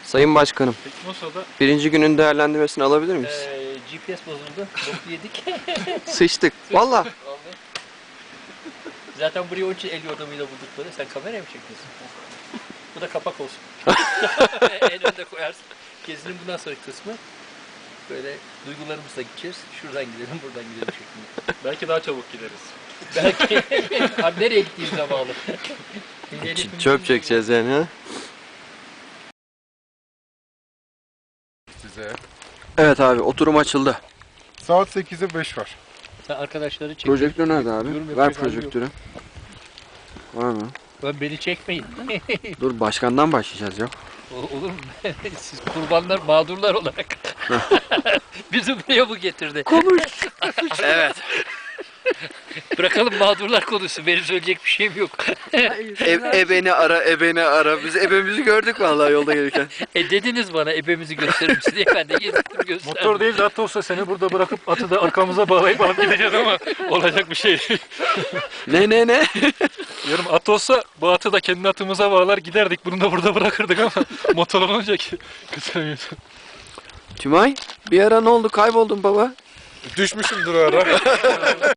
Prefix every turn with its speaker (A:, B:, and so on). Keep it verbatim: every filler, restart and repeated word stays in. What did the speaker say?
A: Sayın Başkanım,
B: Teknosa'da
A: birinci günün değerlendirmesini alabilir miyiz?
C: Ee, G P S bozuldu. Boku yedik.
A: Sıçtık. Valla.
C: Vallahi. Zaten burayı onun için el yordamıyla bulduk böyle. Sen kameraya mı çekiyorsun? Bu da kapak olsun. En önde koyarsın. Gezinin bundan sonraki kısmı böyle duygularımızla gideceğiz. Şuradan gidelim, buradan gidelim şeklinde.
B: belki daha çabuk gideriz.
C: Belki abi nereye gittiğimize bağlı.
A: Ç- Çöp çekeceğiz yani ha.
D: Size.
A: Evet abi, oturum açıldı.
D: Saat sekize beş var.
C: Sen arkadaşları çek.
A: Projektör nerede abi?
C: Yorum
A: Ver
C: yapacak halim yok.
A: projektörü. Var mı?
C: Ben beni çekmeyin.
A: Dur, başkandan başlayacağız ya.
C: O- Olur mu? Siz kurbanlar, mağdurlar olarak. Bizi buraya bu getirdi.
A: Konuş. Evet.
C: Bırakalım mağdurlar konusu. Benim söyleyecek bir şeyim yok.
A: E, ebeni ara, ebeni ara. Biz ebemizi gördük vallahi yolda gelirken.
C: E dediniz bana ebemizi gösterir misin diye ben de gezdim gösterdim.
B: Motor değil de at olsa seni burada bırakıp atı da arkamıza bağlayıp alıp gideceğiz ama olacak bir şey değil.
A: Ne ne ne?
B: Diyorum at olsa bu atı da kendi atımıza bağlar giderdik. Bunu da burada bırakırdık ama motor olunca ki götüremiyorsun.
A: Tümay, bir ara ne oldu? Kayboldun baba.
D: Düşmüşümdür o ara.